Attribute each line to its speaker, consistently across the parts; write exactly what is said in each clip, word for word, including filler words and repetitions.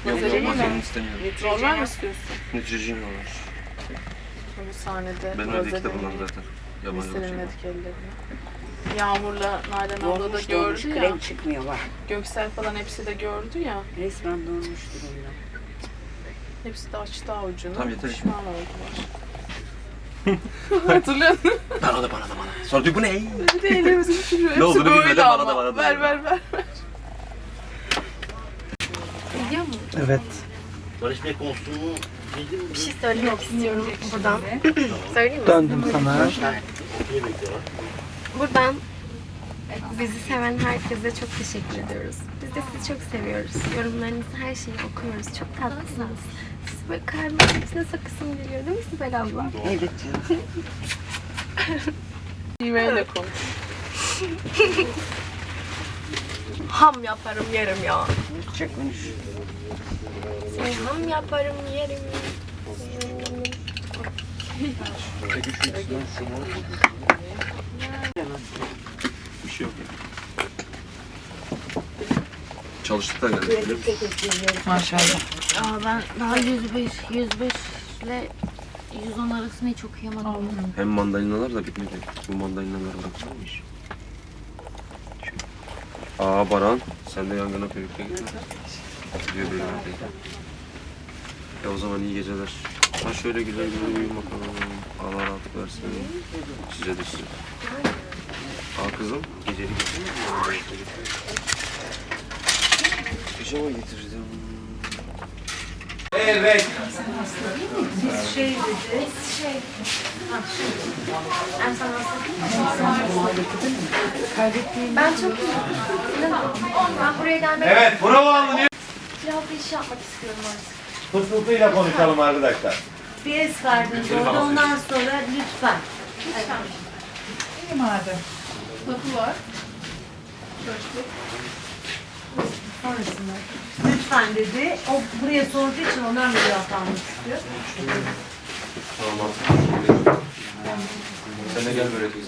Speaker 1: Yok, vazelin istemiyorum.
Speaker 2: Normal mi istiyorsun?
Speaker 1: Nütricin olur.
Speaker 2: Bu sahnede
Speaker 1: Ben öyle kitabımdan zaten. Yabancı
Speaker 2: serinledik ellerini. Yağmur'la Nalan abla da
Speaker 3: Dolmuş
Speaker 2: gördü
Speaker 3: dolmuş,
Speaker 2: ya.
Speaker 3: krem çıkmıyor bak.
Speaker 2: Göksel falan hepsi de gördü ya.
Speaker 3: Resmen dolmuştur onlar.
Speaker 2: Hepsi de açtı avucunu.
Speaker 1: Tamam, yeter.
Speaker 2: Pişman oldular. Hatırlıyor musun?
Speaker 1: Bana da bana da bana. Sonra diyor bu ne?
Speaker 2: Bir de ellerimizi düşürüyor. Hepsi
Speaker 1: Ne olduğunu
Speaker 2: böyle
Speaker 1: bilmeden bana
Speaker 2: ama.
Speaker 1: da bana da.
Speaker 2: Ver ver ver ver.
Speaker 4: Biliyor musun?
Speaker 5: Evet.
Speaker 1: Barış Bey kostümü
Speaker 4: Bir şey söylemek istiyorum buradan. Söyleyeyim mi?
Speaker 5: Döndüm sana.
Speaker 4: Buradan bizi seven herkese çok teşekkür ediyoruz. Biz de sizi çok seviyoruz. Yorumlarınızı, her şeyi okuyoruz. Çok tatlısınız. Siz böyle kalbimin içine sakısım geliyor değil mi Sibel abla?
Speaker 3: Evet canım.
Speaker 2: İğmeyle konuş.
Speaker 4: Ham yaparım yerim ya.
Speaker 3: Çok konuş.
Speaker 4: Seni ham yaparım yerim.
Speaker 1: bir şey yok. Çalıştık da geldik.
Speaker 2: Maşallah.
Speaker 6: Aa, ben daha yüz bir, yüz beş ile yüz on arasını hiç okuyamadım.
Speaker 1: Hem mandalinalar da bitmedi. Bu mandalinaları bıraksamış. Aa Baran, sen de yangına körükle gitme. Diyor benim evdeyken. Ya o zaman iyi geceler. Ha şöyle güzel güzel uyuyun bakalım. Allah rahatlık versin. Size de size. Aa kızım, gecelik getirdin mi? Pijama getirdim.
Speaker 7: Evet.
Speaker 4: Biz şey dedi. Biz şey. En son Ben çok Ben buraya gelmek
Speaker 7: Evet, bravo anlıyor.
Speaker 4: biraz bir iş yapmak istiyorum artık.
Speaker 7: Fısıltıyla konuşalım arkadaşlar.
Speaker 8: Bir es verdiniz orada, ondan sonra lütfen.
Speaker 2: İyi madem. Kapı var.
Speaker 8: Sonrasında. Lütfen dedi. O buraya sorduğu için ondan bir cevap almak istiyor.
Speaker 1: Tamam sen de gel böyle teyze.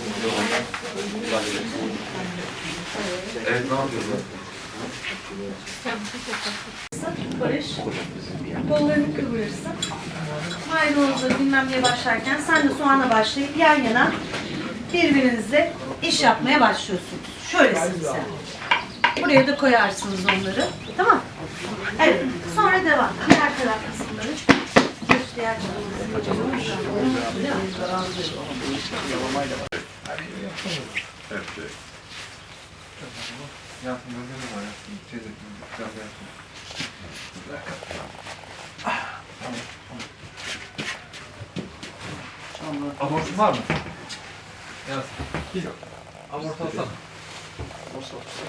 Speaker 1: Evet ne yapıyorsun?
Speaker 8: Barış, kollarını kıvırırsın. Maydanozla bilmem neye başlarken sen de soğana başlayıp yan yana birbirinizle iş yapmaya başlıyorsunuz. Şöylesiniz yani. Buraya da koyarsınız onları. Tamam. Evet. Sonra devam. Diğer taraf kısımları. Diğer
Speaker 1: Evet. Hayatım gözlerim var hayatım. Teyze biraz hayatım. Bir dakika.
Speaker 7: Amorsun var mı? Yaz. Yok. Amortu alsana.
Speaker 1: Olsa olsa.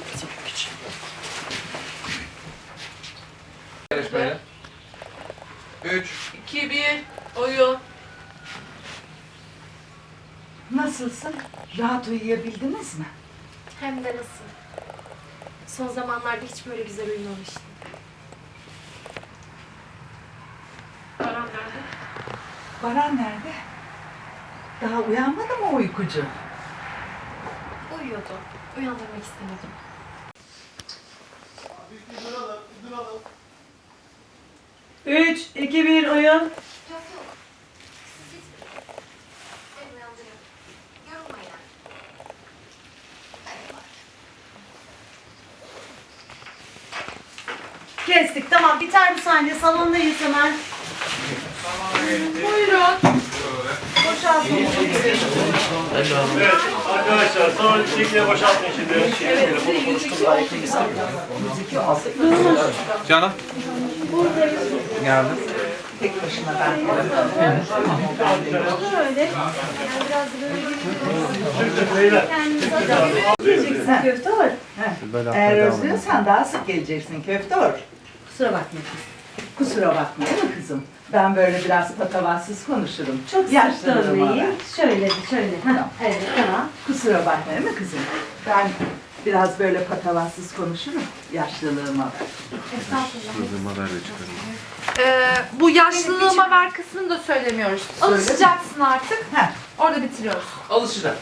Speaker 7: Yarışmaya. Üç.
Speaker 2: iki, bir, oyun.
Speaker 8: Nasılsın? Rahat uyuyabildiniz mi?
Speaker 4: Hem de nasıl? Son zamanlarda hiç böyle güzel uyumamıştım. Baran nerede?
Speaker 8: Baran nerede? Daha uyanmadı mı o uykucu?
Speaker 4: Uyuyordu. Uyandırmak istemedim.
Speaker 8: Üç, iki, bir, oyun.
Speaker 4: Yok yok. Siz gitmeyin. Ben uyandırıyorum. Yorulma yani.
Speaker 8: Kestik. Tamam. Biter bu sahne. Salondayız hemen. Buyurun. Boşaltın.
Speaker 7: Evet arkadaşlar sonra bir şekilde boşaltmayın şimdi. Telefonu konuştum daha yakın istemiyorum. Canan.
Speaker 5: Geldim.
Speaker 8: Tek başına ben.
Speaker 4: Böyle. Yani biraz böyle
Speaker 7: Beyler.
Speaker 8: Geleceksin köftor. Eğer özlüyorsan daha sık geleceksin köftor. Kusura bakma kız. Kusura bakma değil mi kızım? Ben böyle biraz patavatsız konuşurum. Çok yaşlanmayayım. Şöyle şöyle. Ha, evet tamam. Kusura bakma değil mi kızım? Ben biraz böyle patavatsız konuşurum. Yaşlılığıma ver.
Speaker 1: Kızıma ver de çıkarım.
Speaker 9: Ee, bu yaşlılığıma ver kısmını da söylemiyoruz. Alışacaksın artık.
Speaker 8: Heh.
Speaker 9: Orada bitiriyoruz.
Speaker 7: Alışacak.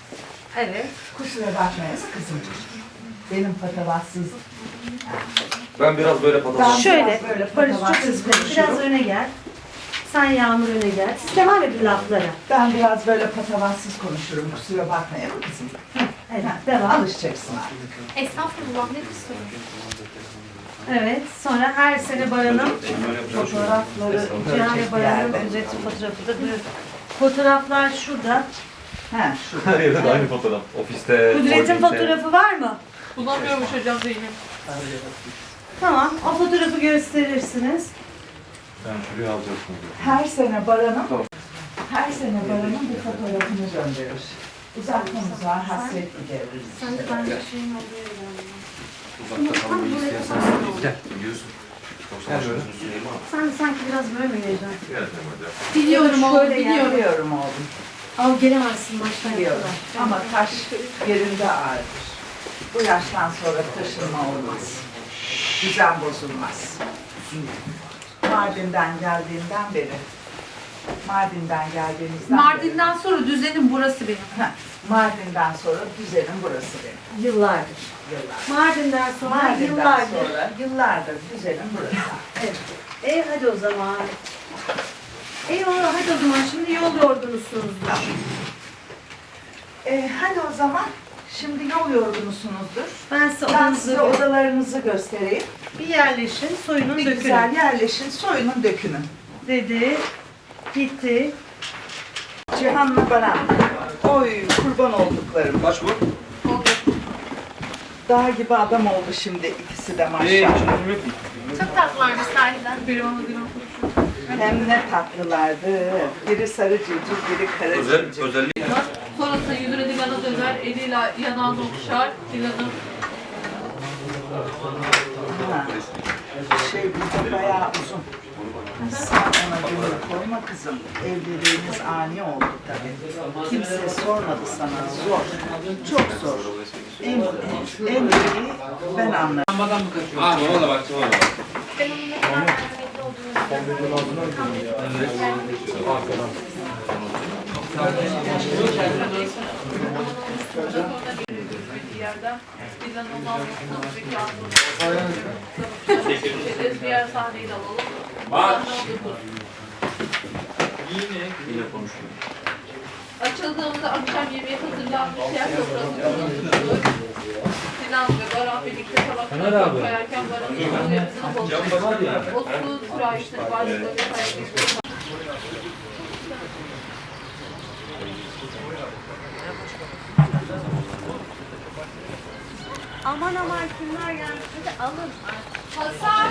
Speaker 9: Evet.
Speaker 8: Kusura bakmayın kızım. Benim patavatsız
Speaker 1: Ben biraz böyle
Speaker 8: Ben
Speaker 1: patavatsız.
Speaker 10: Şöyle,
Speaker 8: biraz böyle
Speaker 10: Barış çok
Speaker 8: patavatsız
Speaker 10: hızlı. Biraz
Speaker 8: konuşurum.
Speaker 10: öne gel. Sen Yağmur öne gel. Siz devam edin laflara.
Speaker 8: Ben biraz böyle patavatsız konuşurum. Kusura bakmayın kızım.
Speaker 10: Evet,
Speaker 8: Ha,
Speaker 10: devam.
Speaker 8: Alışacaksın artık.
Speaker 4: Estağfurullah ne kusuru.
Speaker 10: Evet, sonra her sene Baran'ın fotoğrafları, Cihane Baran'ın
Speaker 8: yerde.
Speaker 10: ücreti fotoğrafı da duruyor. Fotoğraflar şurada.
Speaker 8: Ha, şu.
Speaker 1: Her yerde de aynı fotoğraf. Ofiste,
Speaker 10: Kudret'in fotoğrafı var mı?
Speaker 2: Bulamıyormuş hocam Zeynep.
Speaker 10: Tamam, o fotoğrafı gösterirsiniz.
Speaker 1: Ben şuraya alacaktım.
Speaker 8: Her sene Baran'ın her sene Baran'ın bir fotoğrafını gönderir. Uzatmamız var, hasret gideririz.
Speaker 10: Sen de ben de şeyin olduğu yere gel.
Speaker 1: Uzakta kalmayı istiyorsan gel. Biliyorsun.
Speaker 5: Gel böyle.
Speaker 10: Sen sanki biraz böyle mi geleceksin?
Speaker 2: Biliyorum oğlum,
Speaker 10: Şöyle gel.
Speaker 2: biliyorum.
Speaker 8: Biliyorum oğlum,
Speaker 10: Al gelemezsin baştan
Speaker 8: biliyorum.
Speaker 10: kadar.
Speaker 8: Ama taş yerinde ağırdır. Bu yaştan sonra taşınma olmaz. Düzen bozulmaz. Mardin'den geldiğimden beri, Mardin'den geldiğimizden
Speaker 9: Mardin'den sonra düzenim burası benim.
Speaker 8: beri, Heh, Mardin'den sonra düzenim burası benim.
Speaker 10: Yıllardır.
Speaker 8: Yıllar.
Speaker 10: Mardin'den sonra
Speaker 8: Mardin'den
Speaker 10: yıllardır.
Speaker 8: sonra yıllardır düzenim burası.
Speaker 10: Evet. E hadi o zaman. Eyvallah hadi o zaman şimdi yol yorgunusunuzdur.
Speaker 8: Ee, hadi o zaman, şimdi yol yorgunusunuzdur.
Speaker 10: Ben size
Speaker 8: Ben
Speaker 10: odanızı
Speaker 8: size odalarınızı göstereyim.
Speaker 10: bir yerleşin, soyunun
Speaker 8: Bir
Speaker 10: dökülün.
Speaker 8: güzel yerleşin, soyunun dökünün.
Speaker 10: Dedi, gitti.
Speaker 8: Cihan'la Baran. Oy kurban olduklarım.
Speaker 1: Kaç bu?
Speaker 8: Dağ gibi adam oldu şimdi ikisi de maşallah.
Speaker 4: Çok tatlılarmış sahiden.
Speaker 2: Biri ona biri ona.
Speaker 8: Hem ne tatlılardı. Biri sarı civciv, biri kara
Speaker 1: Özel,
Speaker 8: civciv.
Speaker 1: özellik.
Speaker 2: Sonrasında yüzüne Dilan'a döner, eliyle yanağını okşar. Dilan'ın
Speaker 8: Ha. Şey bu da bayağı uzun. Sen ona gönül koyma kızım. Evliliğiniz ani oldu tabii. Kimse sormadı sana. Zor. Çok zor. En, en iyi ben anlarım.
Speaker 5: Ha bana da bak bana bak.
Speaker 4: Ben onun ne kadar merhametli olduğunu
Speaker 2: bir yerden Dilan'ın onun almasını bir kağıt diğer sahneyi de alalım.
Speaker 5: Bak.
Speaker 1: Yine konuşuyor.
Speaker 2: Açıldığımızda akşam yemeği hazırlanmış yer sofrası kurulmuştur. Sinan ve Baran birlikte tabakları koyarken Baran'ın yolu yapısına bakıyor. O su sürahisini başlıklarına koyarken.
Speaker 10: Aman aman kimler gelmiş, hadi alın.
Speaker 2: Hasan!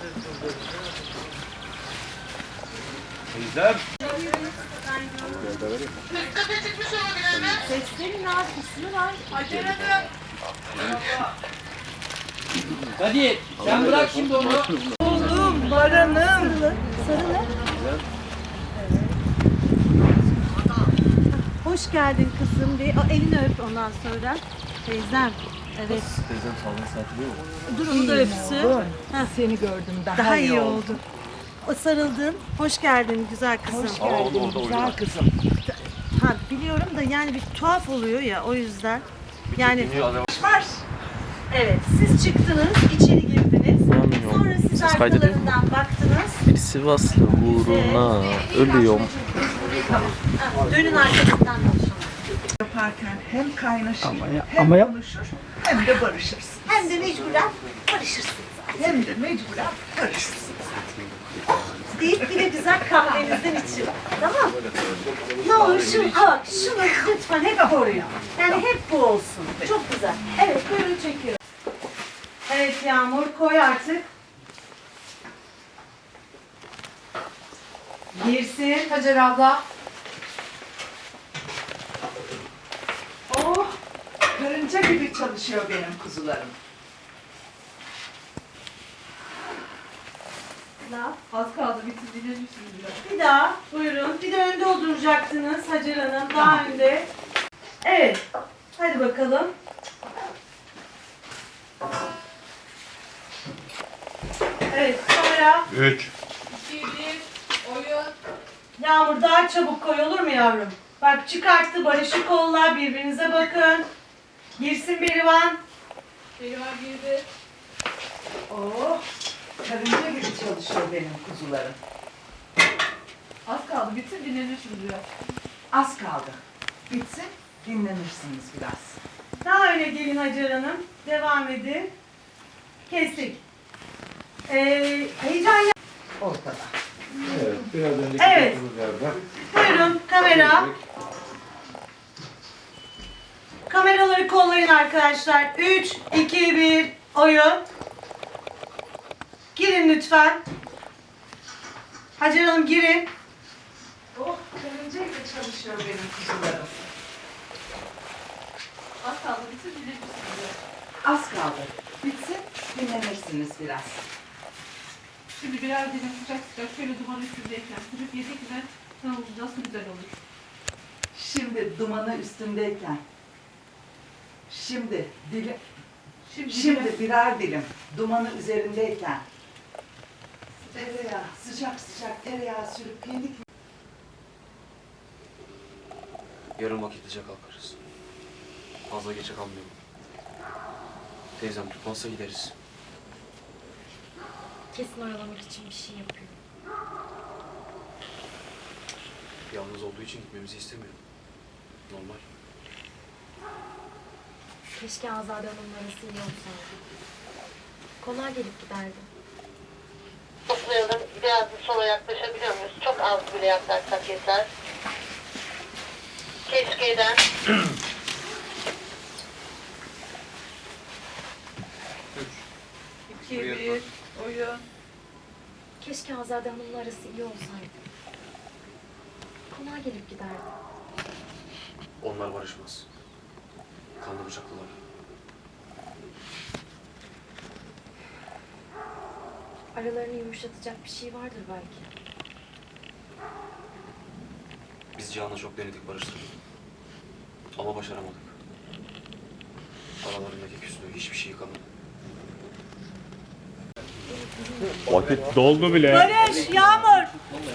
Speaker 1: Teyzem.
Speaker 10: Seslerin arkasını var.
Speaker 2: Acele dön!
Speaker 5: Hadi sen bırak şimdi onu.
Speaker 8: Oğlum, Baran'ım.
Speaker 10: Sarılı. Hoş geldin kızım. Bir o elini öp ondan sonra. Teyzem. Evet.
Speaker 1: Teyzem salon saati değil mi?
Speaker 10: Dur onu da öpsün.
Speaker 8: Ha, seni gördüm daha,
Speaker 10: Daha iyi oldu. O sarıldın. Hoş geldin güzel kızım.
Speaker 8: Hoş
Speaker 1: Aa, orada,
Speaker 8: geldin
Speaker 1: orada
Speaker 8: güzel
Speaker 1: oynuyor.
Speaker 8: kızım.
Speaker 10: Ha biliyorum da yani bir tuhaf oluyor ya o yüzden. Yani
Speaker 8: Var.
Speaker 10: evet siz çıktınız, içeri girdiniz. Sonra siz
Speaker 11: Ses kaydediyor mu?
Speaker 10: arkalarından baktınız.
Speaker 11: Bir Sivaslı uğruna ölüyorum.
Speaker 10: Tamam. Ha, dönün arkasından konuşalım.
Speaker 8: Yaparken hem kaynaşır,
Speaker 5: ya-
Speaker 8: hem
Speaker 5: ama ya-
Speaker 8: konuşur, hem de barışırsın.
Speaker 10: Hem de mecburen barışırsınız.
Speaker 8: Hem de mecburen barışırsın.
Speaker 10: Deyip bir de güzel kahvenizden için. Tamam. Ne olur şunu, bak şunu lütfen hep koruyun. Yani hep bu olsun. Çok güzel. Evet buyurun çekiyorum. Evet Yağmur koy artık. Girsin.
Speaker 9: Hacer abla.
Speaker 8: Oh, karınca gibi çalışıyor benim kuzularım.
Speaker 2: Az kaldı bitir dinlemişsiniz biraz.
Speaker 10: Bir daha buyurun. Bir de önde oturacaktınız Hacer Hanım. Daha önde. Evet. Hadi bakalım. Evet sonra
Speaker 1: üç.
Speaker 2: iki, bir, oyun.
Speaker 10: Yağmur daha çabuk koy olur mu yavrum? Bak çıkarttı Barış'ı kolla birbirinize bakın. Girsin Berivan.
Speaker 2: Berivan girdi.
Speaker 10: Oh.
Speaker 8: karınca gibi çalışıyor benim kuzularım.
Speaker 2: Az kaldı. Bitsin dinlenirsiniz biraz.
Speaker 8: Az kaldı. Bitsin, dinlenirsiniz biraz.
Speaker 10: Daha öne gelin Hacer Hanım. Devam edin. Kestik. Ee, heyecan yap-
Speaker 8: Ortada.
Speaker 5: Evet, biraz önceki
Speaker 10: Evet.
Speaker 5: tuttuğumuz yerden.
Speaker 10: Buyurun kamera. Kameraları kollayın arkadaşlar. üç, iki, bir, oyun. Girin lütfen. Hacer Hanım girin.
Speaker 8: Oh, karınca gibi çalışıyor benim kuzularım.
Speaker 2: Az kaldı. Bitsin dinlenirsiniz biraz.
Speaker 8: Az kaldı. Bitsin, dinlenirsiniz biraz.
Speaker 2: Şimdi birer dilim sıcak sıcak şöyle duman üstündeyken sürüp yedik mi tavuğumuz nasıl güzel olur.
Speaker 8: Şimdi dumanı üstündeyken. Şimdi dilim,
Speaker 2: Şimdi,
Speaker 8: şimdi birer dilim dumanı üzerindeyken. Tereyağı, sıcak sıcak tereyağı sürüp yedik mi?
Speaker 1: Yarın vakitlice kalkarız. Fazla geçe kalmayalım. Teyzem tutmazsa gideriz.
Speaker 4: Kesin oyalamak için bir şey yapıyor.
Speaker 1: Yalnız olduğu için gitmemizi istemiyor. Normal.
Speaker 4: Keşke Azade Hanım'ın arası iyi olsaydı. Konağa gelip giderdim.
Speaker 12: Toplayalım. Biraz sola yaklaşabiliyor muyuz? Çok az bile yaklaşsak yeter. Keşke'den.
Speaker 2: iki, bir, oyun.
Speaker 4: Keşke Azade Hanım'ın arası iyi olsaydı. Konağa gelip giderdim.
Speaker 1: Onlar barışmaz. Kanlı bıçaklılar.
Speaker 4: Aralarını yumuşatacak bir şey vardır belki.
Speaker 1: Biz Cihan'la çok denedik barıştırdık. Ama başaramadık. Aralarındaki küslüğü hiçbir şey kalmadı.
Speaker 7: Vakit doldu bile.
Speaker 10: Barış, Yağmur.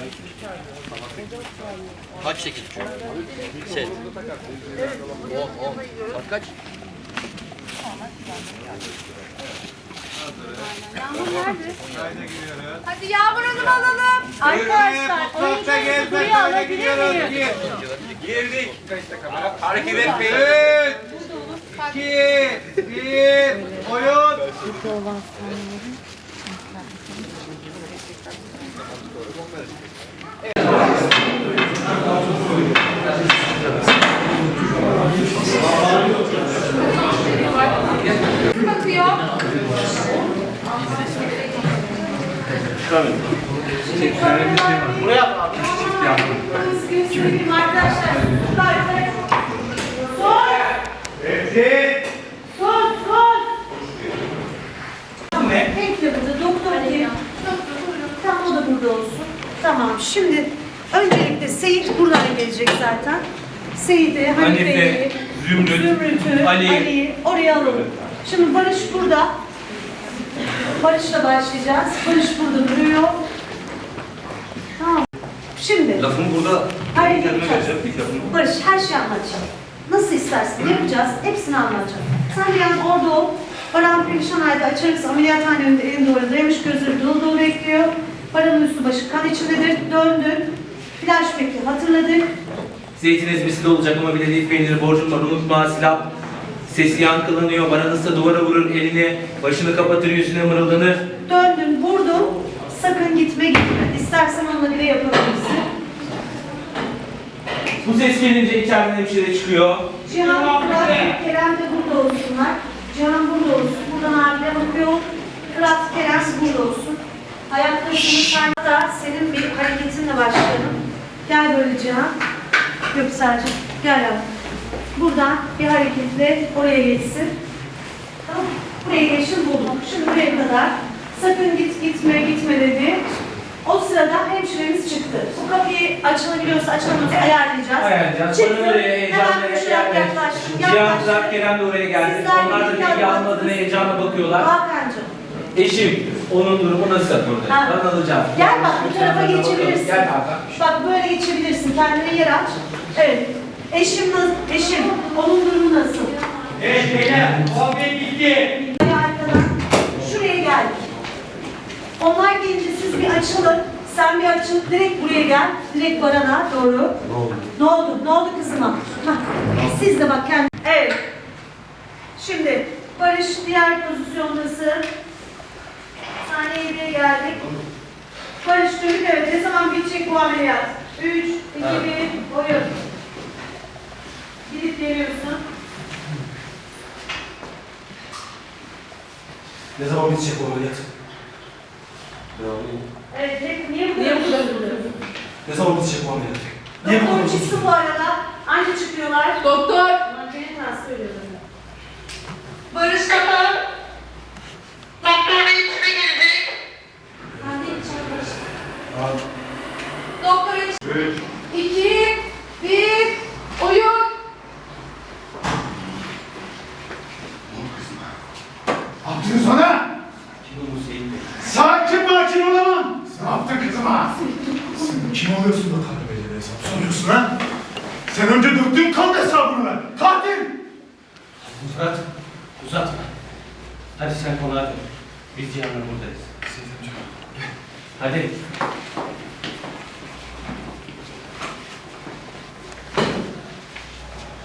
Speaker 5: Kaç şekil? Şey. O, o. Saat kaç?
Speaker 2: Hadi Yağmur Hanım alalım.
Speaker 10: Arkadaşlar oyuncularınızı buraya alabilir miyim?
Speaker 5: Girdik. Hareket etmeyin. üç, iki, bir, oyun.
Speaker 6: Burada olan sahnelerin
Speaker 2: Bakıyor.
Speaker 10: Göstereyim arkadaşlar. Son.
Speaker 5: Evet.
Speaker 10: Son, son. Hank de burada, doktor diye. Tamam, o da burada olsun. Tamam, şimdi öncelikle Seyit buradan gelecek zaten. Seyit'i, Hanife'yi,
Speaker 5: Zümrüt,
Speaker 10: Zümrüt'ü,
Speaker 5: Ali.
Speaker 10: Ali'yi oraya alalım. Şimdi Barış burada. Barış'la başlayacağız. Barış burada duruyor. Tamam. Şimdi
Speaker 5: Lafımı burada
Speaker 10: hayır
Speaker 5: kendime
Speaker 10: yapacağız.
Speaker 5: vereceğim. İlk lafımı.
Speaker 10: Barış her şeyi anlatacağım. Nasıl istersen yapacağız. Hepsini anlatacağım. Sen bir an orada ol. Baran perişan halde açarız. Ameliyathane önünde elinde orada dayamış, gözleri dolu dolu bekliyor. Baran'ın üstü başı kan içindedir. Döndün. Flashback'i hatırladık.
Speaker 5: Zeytin ezmesi de olacak ama bile değil peyniri borcum var unutma silah. Sesi yankılanıyor, bana nasıl duvara vurur elini, başını kapatır yüzüne mırıldanır.
Speaker 10: Döndün, vurdun. Sakın gitme gitme. İstersen onunla bile yapabilirsin.
Speaker 5: Bu ses gelince içeriden hemşire çıkıyor.
Speaker 10: Cihan, Fırat, Kerem de burada olsunlar. Cihan burada olsun. Buradan abine bakıyor. Fırat, Kerem burada olsun. Ayaklarını sarda senin bir hareketinle başlayalım. Gel böyle Cihan. Göksel'cim gel yavrum. Buradan bir hareketle oraya geçsin. Tamam mı? Buraya geçin buldum. Şimdi buraya kadar. Sakın git gitme gitme dedi. O sırada hemşiremiz çıktı. Bu kapıyı açılabiliyorsa açılamıyorsa ayarlayacağız.
Speaker 5: Ayarlayacağız.
Speaker 10: Çıktı.
Speaker 5: Bana öyle heyecanla
Speaker 10: Hemen koşarak
Speaker 5: geldi.
Speaker 10: yaklaş.
Speaker 5: Cihan,
Speaker 10: Yaklaş.
Speaker 5: Fırat, Kerem de oraya geldi.
Speaker 10: Sizler
Speaker 5: Onlar da
Speaker 10: birlikte
Speaker 5: bilgi almadığına
Speaker 10: anlattınız.
Speaker 5: heyecanla bakıyorlar.
Speaker 10: Hakan'cığım.
Speaker 5: Eşim, onun durumu nasıl?
Speaker 10: Ha.
Speaker 5: Ben alacağım.
Speaker 10: Gel bak bu tarafa geçebilirsin.
Speaker 5: Gel Hakan.
Speaker 10: Bak böyle geçebilirsin. Kendine yer aç. Evet. Eşim nasıl? Eşim. Onun durumu nasıl?
Speaker 5: Evet beyler, muhabbet bitti.
Speaker 10: Arkadan şuraya geldik. Onlar gelince siz bir açılın. Sen bir açıl. Direkt buraya gel. Direkt Baran'a doğru.
Speaker 1: Ne oldu?
Speaker 10: Ne oldu? Ne oldu kızıma? Hah. Siz de bak kendi. Evet. Şimdi Barış diğer pozisyondasın. Sahneye bir geldik. Barış çocuk evet. Ne zaman bitecek bu ameliyat? Üç, iki, bir, oyun. Gidip geliyorsun.
Speaker 7: Ne zaman bitecek o ameliyat?
Speaker 10: Evet, hep niye bu kadar duruyorsun?
Speaker 7: Ne zaman bitecek o ameliyat? Niye bu kadar
Speaker 10: Doktor çıksın bu arada. Anca çıkıyorlar.
Speaker 2: Doktor.
Speaker 10: Ulan benim nasıl söylüyorum?
Speaker 2: Barış Kapı.
Speaker 12: Doktor Bey içine girecek.
Speaker 10: Ben de içeri Barış.
Speaker 2: Doktor için. Üç. İki. Bir. Oyun.
Speaker 13: Ne yaptın sana? Sakin makin olamam. Ne yaptın kızıma? Sen kim oluyorsun da Tanrı Bey'le hesap soruyorsun ha? Sen önce döktüğün kan hesabını ver. Katil!
Speaker 5: Murat, uzatma. Hadi sen konağa dön. Biz Cihan'la buradayız. Hadi.